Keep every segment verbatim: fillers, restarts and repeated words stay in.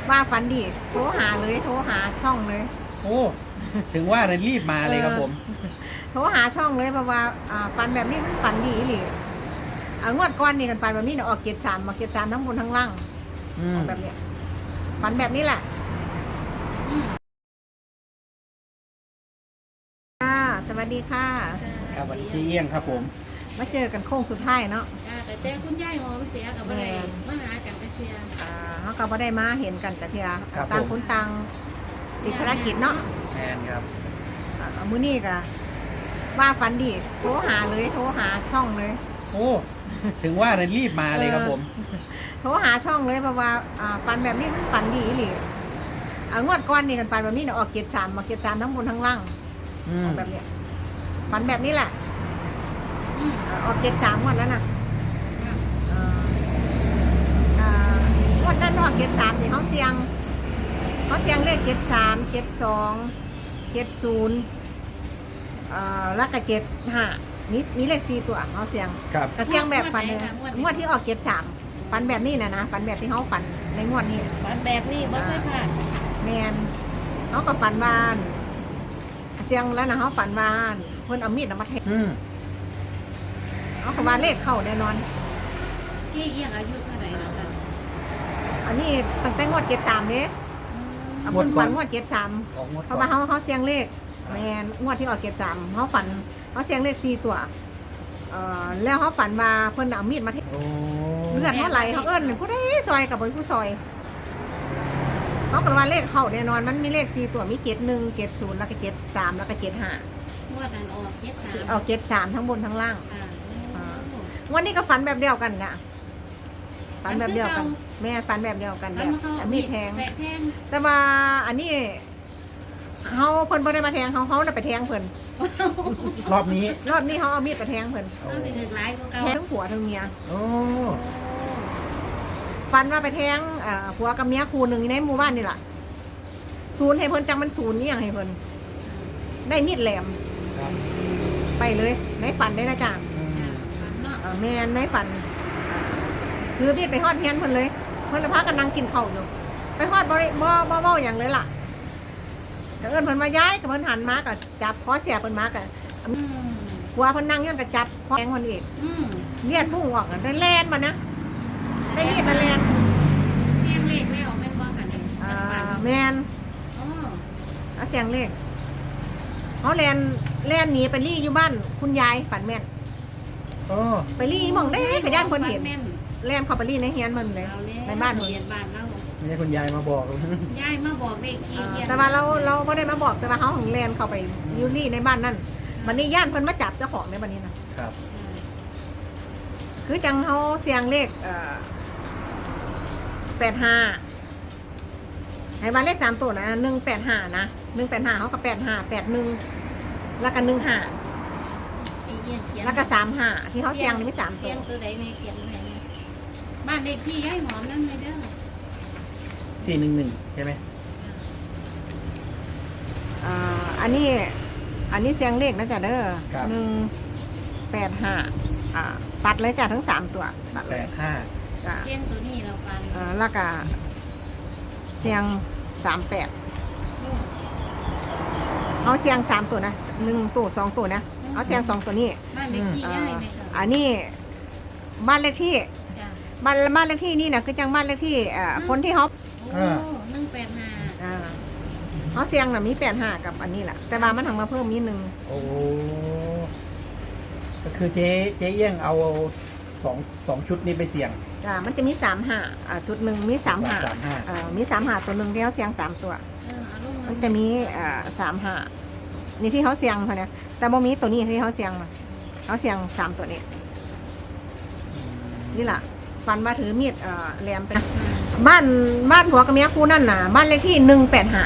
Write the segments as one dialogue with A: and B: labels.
A: ว่าฝันดีโทรหาเลยโทรหาช่องเลย
B: โอ้ถึงว่าเลยรีบมาเลยครับผม
A: โทรหาช่องเลยเพราะว่าฝันแบบนี้มันฝันดีหรืองวดก้อนนี่กันฝันแบบนี้เนี่ยออกเกียรติสามมาเกียรติสามทั้งบนทั้งล่างแบบนี้ฝันแบบนี้แหละค่ะสวัสดีค่ะ
B: ครับวันนี้เอี้ยงครับผม
A: มาเจอกันโค้งสุดท้ายเนาะ
C: แต่แต่คุณยายหอมเสียกับอะไรมาหากันไปเสีย
A: เขาก็ไม่ได้มาเห็นกันแต่เทียต่างคนต่างติดภารกิจเนาะ
B: แทนครับ
A: มื้อนี้ก็ว่าฝันดีโทรหาเลยโทรหาช่องเลย
B: โอ้ถึงว่าเลยรีบมาเลยครับผม
A: โทรหาช่องเลยเพราะว่าฝันแบบนี้มันฝันดีหรืองวดก้อนนี่กันฝันแบบนี้เนี่ยออกเกียรติสามมาเกียรติสามทั้งบนทั้งล่างแบบนี้ฝันแบบนี้แหละออกเกียรติสามงวดนั้นน่ะงวดนั้นออกเกียรติสามนี่เขาเสียงเขาเสียงเลขเกียรติสามเกียรติสองเกียรติศูนย์แล้วก็เกียรติห้ามีมีเลขสี่ตัวเขาเสียงกระเสียงแบบฝันเลยงวดที่ออกเกียรติสามฝันแบบนี้นะนะฝันแบบที่เขาฝันในงวดนี้
C: ฝันแบบนี้บ่เคยผ่าน
A: แมนเขาก็ฝันบ้านเสียงแล้วนะเขาฝันบ้านเพิ่นเอามีดมาแทงเขาขวานเลขเข้าแน่นอน
C: กี่เอี้ยงอายุเท่าไหร่แล้วกัน
A: อันนี้ตั้งแต่งวดเกียรติสามเนี่ยเพิ่นฝันงวดเกียรติสามเพราะว่าเขาเขาเสียงเลขแมนงวดที่ออกเกียรติสามเขาฝันเขาเสียงเลขสี่ตัวเอ่อแล้วเขาฝันว่าเพิ่นเอามีดมาแทงเลือดเท่าไหร่เขาเอิ้นผู้ใดซอยกับผู้ซอยเขาบอกว่าเลขเข้าแน่นอนมันมีเลขสี่ตัวมีเกียรติหนึ่งเกียรติศูนย์แล้วก็เกียรติสามแล้วก็เกียรติห้าง
C: วดนั้นออกเกียรติสาม
A: ออกเกียรติสามทั้งบนทั้งล่างวันนี้ก็ฝันแบบเดียวกันค่ะฝันแบบเดียวกันแม่ฝันแบบเดียวกันแบบมีแทงแต่ว่าอันนี้เขาเพิ่นบ่ได้มาแทงเขาเขาไปแทงเพิ่น
B: รอบนี้
A: รอบนี้เขาเอามีดไปแทงเพิ่นแทงทั้งผัวทั้งเมียฝันว่าไปแทงผัวกับเมียคู่หนึ่งในหมู่บ้านนี่แหละศูนย์ให้เพิ่นจังมันศูนย์นี่อย่างให้เพิ่นได้มีดแหลมไปเลยในฝันได้นะจ๊ะแม่ในฝันคือมีดไปฮอดเฮียนเพิ่นเลยเพิ่นละพักกันนั่งกินข้าวอยู่ไปฮอดบ่บ่บ่บ่อย่างเลยล่ะแต่เอิ้นเพิ่นมาย้ายกับเพิ่นหันมาก็จับคอเสียเพิ่นมาก็ผัวเพิ่นนั่งยังก็จับคอแทงเพิ่นอีกเลือดพุ่งออกได้แล่นมานะได้มีดมาแล่น
C: แม่เลขแล้วแม่นบ่ค่ะนี่
A: อ่าแม่นอ๋อเอาเสียงเลขเขาแล่นแล่นหนีไปรี่อยู่บ้านคุณยายฝันแม่นไปรี่มองได้ขยันคนเห็นแล่นเข้าไปรี่ในเฮียนมันเลยในบ้านเฮียนบ้านเรา
B: ไม่ใช่คุณยายมาบอก
C: ยายมาบอกเด็กกี่เฮียน
A: แต่ว่าเราเราไม่ได้มาบอกแต่ว่าเขาของแล่นเข้าไปยูรี่ในบ้านนั่นมันนี่ย่านเพิ่นมาจับเจ้าของในบ้านนี้นะครับคือจังเขาเสียงเลขแปดห้าให้บ้านเลขสามตัวนะหนึ่งแปดห้านะหนึ่งแปดห้าเขากับแปดห้าแปดหนึ่งแล้วก็หนึ่งห้าแล้วก็สามห้าที่เขาเสียงนี่ไม่สามตัว
C: ตัวใดในเขียนไหนบ้านเลขที่ย้ายหอมนั่นเลยเด้อ
B: สี่หนึ่งหนึ่งใช่ไหม
A: อ่าอันนี้อันนี้เสียงเลขนะจ๊ะเด้อหนึ่งแปดห้าอ่าตัดเลยจ้ะทั้งสามตัว
B: แปดห้า
C: เสียงตัวนี้เราฟัง
A: อ่าแล้วก็เสียงสามแปดเขาเสียงสามตัวนะหนึ่งตัวสองตัวนะเขาเสียงสองตัวนี้
C: บ้านเลขที่ย้ายไหมคะ
A: อันนี้บ้านเลขที่บ้านบ้านเลขที่นี่นะคือจังบ้านเลขที่อ่าคนที่เขา
C: หนึ่งแปดห้า
A: อ่าเขาเสียงน่ะมีแปดห้ากับอันนี้แหละแต่ว่ามันทำมาเพิ่มนิดนึง
B: โอ้ก็คือเจ๊เจ๊เอี้ยงเอาสองสองชุดนี้ไปเสี่ยง
A: อ่ามันจะมีสามห้าอ่าชุดหนึ่งมีสามห้าอ่ามีสามห้าตัวหนึ่งที่เขาเสียงสามตัวมันจะมีอ่าสามห้านี่ที่เขาเสียงเขาเนี่ยแต่โมมีตัวนี้ที่เขาเสียงเขาเสียงสามตัวนี้นี่แหละฟันมาถือมีดเอ่อแหลมเป็นบ้านบ้านหัวกับเมียคู่นั่นน่ะบ้านเลขที่หนึ่งแปดห้า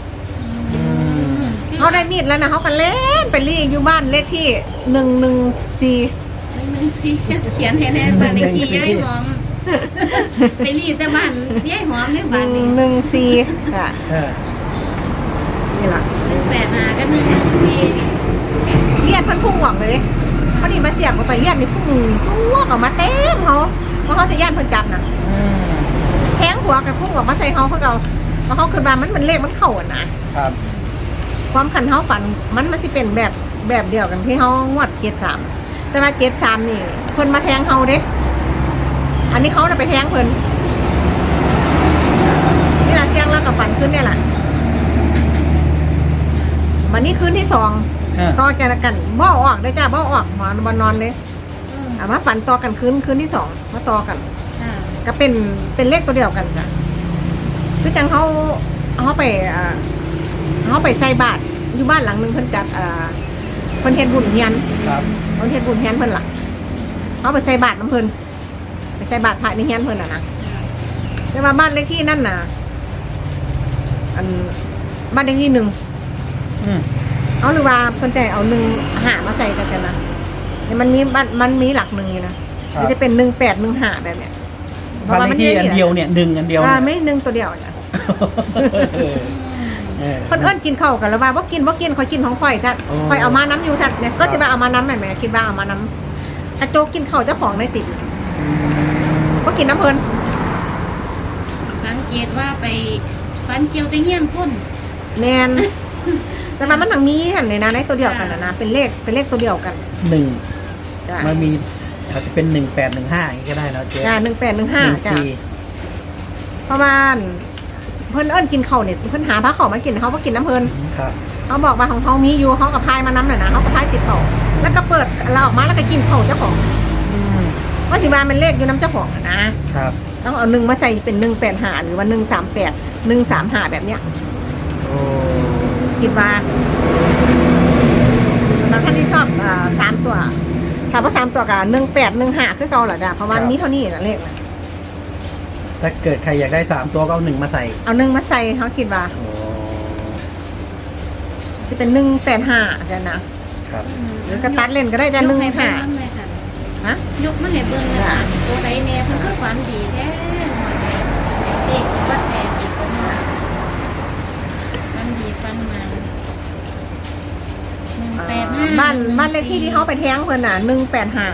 A: เขาได้มีดแล้วนะเขาก็เล่นไปรีอยู่บ้านเลขที่หนึ่งหนึ่งสี่
C: หนึ่งหนึ่งสี่เขียนให้แน่บ้านเลขที่ย้ายหอมไปรีแต่บ้านย้ายหอมในบ้าน
A: หนึ่งหนึ่งสี่ค่ะนี่แหละ
C: หนึ่งแปดห้ากับหนึ่งหนึ่งสี่
A: เลียดพันพุ่งหวังเลยพอดีมาเสียบมาไปเลียดนี่พุ่งตัวออกมาเต็มเขาเพราะเขาจะย่านเพิ่นจับน่ะแทงหัวกับพุ่งออกมาใส่เขาเขาเอาแล้วเขาคือว่ามันมันเลขมันเข้าอ่ะนะครับ ความขันเขาฝันมันมันจะเป็นแบบแบบเดียวกันที่เขางวดเกตสามแต่ว่าเกตสามนี่เพิ่นมาแทงเขาเด้อันนี้เขาจะไปแทงเพิ่นนี่ละเชียงแล้วกับฝันขึ้นเนี่ยแหละวันนี้คืนที่สอง
B: อ่า
A: ต่อจากกันบ่ออกได้จ้าบ่ออกหมอนบนนอนเลย
C: อืม
A: อ่ามาฝันต่อกันคืนคืนที่สองมาต่อกัน
C: ค่ะ
A: ก็เป็นเป็นเลขตัวเดียวกันจ้ะคือจังเขาเขาไปอ่าเขาไปใส่บาตรอยู่บ้านหลังหนึงเพิ่นจัดอ่าเพิ่นเฮ็ดบุญเฮียน
B: ครับ
A: เพิ่นเฮ็ดบุญเฮียนเพิ่นล่ะเขาไปใส่บาตรน้ำเพิ่นไปใส่บาตรพระในเฮียนเพิ่นน่ะนะแต่ว่าบ้านเลขที่นั่นน่ะอันบ้านเลขที่หนึ่ง
B: อืม
A: เอาหรือว่าเพิ่นใจเอาหนึ่งหามาใส่กันกันนะเนี่ยมันมีบ้านมันมีหลักหนึ่งอยู่นะมันจะเป็นหนึ่งแปดหนึ่งหาแบบเนี้ย
B: บ้านเลขที่อันเดียวเนี่ยหนึ่งอันเดียว
A: อ่า
B: เนี่ย
A: ไม่หนึ่งตัวเดียวจ้ะ
B: เออเออ
A: เพิ่นเอิ้นกินข้าวกันแล้วว่าบ่กินบ่กินข่อยกินของข่อยซะ
B: โอ้
A: ข่อยเอามาน้ำอยู่ซะเนี่ยก็
B: ครับ
A: สิว่าเอามาน้ำแม่นแม่คิดว่าเอามาน้ำกระโจกกินข้าวเจ้าของในติดบ่กินน้ำเพิ่น
C: สังเกตว่าไปฟันเกี่ยวแตะเงี้ยนพ่น
A: แม่นแต่ว่ามันทั้งมีหั่นเลยนะในตัวเดียวกันน่ะนะเป็นเลขเป็นเลขตัวเดียวกัน
B: หนึ่ง
A: จ้ะ
B: มันมีอาจจะเป็นหนึ่งแปดหนึ่งห้าอย่างนี้ก็ได้นะเจ๊
A: จ้ะหนึ่งแปดหนึ่งห้า
B: หนึ่ง
A: จ้ะ
B: สี่
A: เพราะว่าเพิ่นเอิ้นกินข้าวเนี่ยเพิ่นหาพระเขามากินเขาบ่กินน้ำเพิ่น
B: ครับ
A: เขาบอกว่าของเขามีอยู่เขากับพายมาน้ำหน่อยนะเขากับพายติดต่อแล้วก็เปิดเราออกมาแล้วก็กินข้าวเจ้าของ
B: อืม
A: ว่าสิมาเป็นเลขอยู่น้ำเจ้าของอะนะครับ ต้องเอาหนึ่งมาใส่เป็นหนึ่งแปดหาหรือว่าหนึ่งสามแปดหนึ่งสามหาแบบเนี้ย
B: โอ้
A: คิดว่าบางท่านที่ชอบอ่าสามตัวถามว่าสามตัวกับหนึ่งแปดหนึ่งหาคือเก่าเหรอจ้ะเพราะว่ามีเท่านี้นะเลขนะ
B: ถ้าเกิดใครอยากได้สามตัวก็เอาหนึ่งมาใส่
A: เอาหนึ่งมาใส่เขาคิดว่า
B: โอ้
A: จะเป็นหนึ่งแปดหาจ้ะนะครับ หรือกระตัดเล่นก็ได้จ้ะหนึ่ง
C: ยกให้
A: หา
C: เบิ่งเลยค่ะ
A: ฮะ
C: ยกมาให้เบิ่งเลยค่ะตัวใดแน่เพิ่นก็ฝันดีแท้เด็กก็ว่าแต่อีกก็มาฝันดีฝันมันหนึ่งแปดห้า
A: บ้านบ้านเลขที่ที่เขาไปแท้งเพิ่นน่ะหนึ่งแปดหา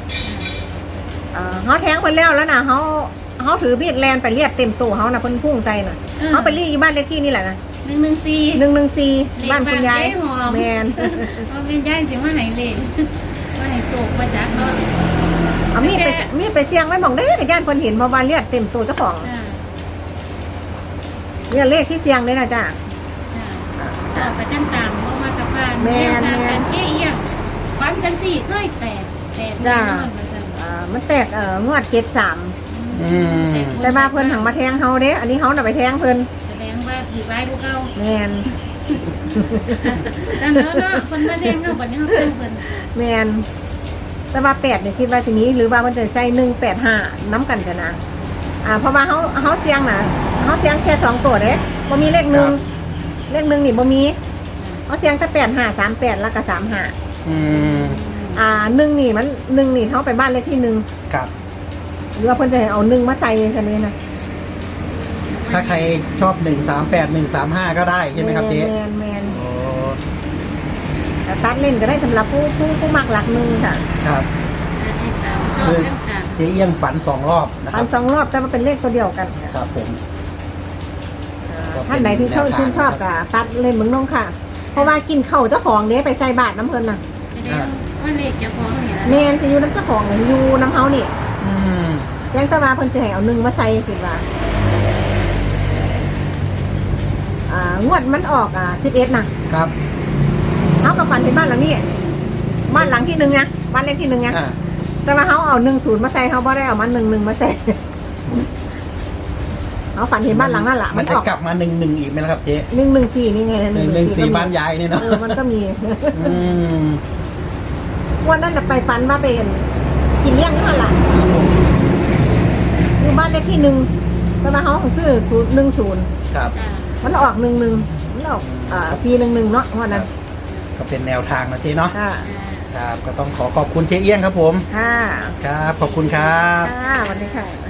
A: เขาแท้งเพิ่นแล้วแล้วนะเขาเขาถือมีดแลนไปเรียกเต็มตัวเขาน่ะเพิ่นพุ่งใจน่ะเขาไปรีดอยู่บ้านเลขที่นี่แหละนะ
C: หนึ่งหนึ่งสี่
A: หนึ่งหนึ่งสี่บ้านคุณยาย
C: เลขบ้านยายหอม
A: แมน
C: เอาเป็นย่ายสิมาให้เลขว่าให้โศกมาจากเนาะ
A: เอามีดไปมีดไปเสี่ยงไว้บอกได้กับญาติเพิ่นเห็นเพราะว่าเรียกเต็มตัวเจ้าของ
C: อ่า
A: เนี่ยเลขที่เสี่ยงเลยนะจ้า
C: อ่าก็ไปกันตามบ่มากับบ้าน
A: แม่น
C: แนวทาง
A: แม่
C: กาน รแก้เอียงฝันจังสี่เคยแตกแตกแน่นอนเหมือนกัน
A: อ่ามันแตกเอ่องวดเจ็ดสาม
B: อืม
A: แต่ว่าเพิ่นหังมาแทงเฮาเด้อันนี้เฮาน่ะไปแทงเพิ่น
C: แสดงว่าผีไว้พวกเรา
A: แมน
C: ดังนั้นเนาะคนมาแทงเขาบัดนี้เขาเพิ่นเพิ่น
A: แมนแต่ว่าแปดเนี่ยคิดว่าสินี้หรือว่ามันจะใส่หนึ่งแปดห้าน้ำกันจะนะอ่าเพราะว่าเฮาเฮาเสียงน่ะเฮาเสียงแค่สองตัวเด้บ่มีเลขหนึ่งเลขหนึ่งนี่บ่มีเฮาเสียงแต่แปดห้าสามแปดแล้วก็สามห้า
B: อืม
A: อ่าหนึ่งนี่มันหนึ่งนี่เขาไปบ้านเลขที่หนึ่ง
B: ครับ
A: หรือว่าเพิ่นจะให้เอาหนึ่งมาใส่กันนี้นะ
B: ถ้าใครชอบหนึ่งสามแปดหนึ่งสามห้าก็ได้ใช่ไหมครับเจ๊
A: แมนแมน
B: โอ้
A: แต่ตัดเล่นก็ได้สำหรับผู้ผู้ผู้มักหลักหนึ่งค่ะ
B: ครับ
C: อ่าติดตามชอบต่าง
B: เจ๊เอี้ยงฝันสองรอบนะค
A: อั
B: รั
A: น
B: บ
A: สองรอบแต่มันเป็นเลขตัวเดียวกันค่ะ
B: ครับผม ก็เป็น
A: ท่านไหนที่ชอบ
B: แนวทาง
A: ชื่นชอบก็ตัดเล่นเมืองน้องค่ะ เพราะว่ากินเข่าวเจ้าของเนี้ยไปใส่บาตรน้ำเพลินน่ะ
C: ๆแสดงว่าเลขเจ้าของเนี่ย
A: เมนจะอยู่น้ำเจ้าของเนี่ยอยู่น้ำเฮานี่
B: อืม
A: ยังแตะวาเพิ่นจะให้เอาหนึ่งมาใส่คิดว่าอ่างวดมันออกอ่าสิบเอ็ดนะครับ เฮากับฝันที่บ้านหลังนี้บ้านหลังที่หนึ่งนะบ้านเลขที่หนึ่งนะ
B: อ่า
A: แต่ว่าเขาเอาหนึ่งศูนย์มาใส่เขาบ่ได้เอามาหนึ่งหนึ่งมาใส่เขาฝันเห็นบ้านหลังนั่นแหละ
B: มั
A: มัน น
B: จะ
A: ออก
B: กลับมาหนึ่งหนึ่งอีกไหมล่ะครับเจ๊
A: หนึ่งหนึ่งสี่นี่ไง
B: หนึ่งหนึ่งสี่บ้านยายเนี่ยเนาะ
A: เออมันก็มี
B: อืม
A: วันนั้นน่ะไปฝันว่าเป็นกินเลี้ยงนี่มันหละ
B: ครับผม
A: อยู่บ้านเลขที่หนึ่งแต่ว่าเขาของซื้อศูนย์หนึ่งศูนย์
B: ครับ
C: จ้า
A: มันออกหนึ่งหนึ่งมันออกอ่าสี่หนึ่งหนึ่งเนาะวันนั้น
B: ก็เป็นแนวทางนะเจ๊เนาะ
A: ค่ะ
B: ครับก็ต้องขอขอบคุณเจ๊เอี้ยงครับผม
A: ค่ะ
B: ครับขอบคุณครับ
A: ค่ะวันนี้ค่ะ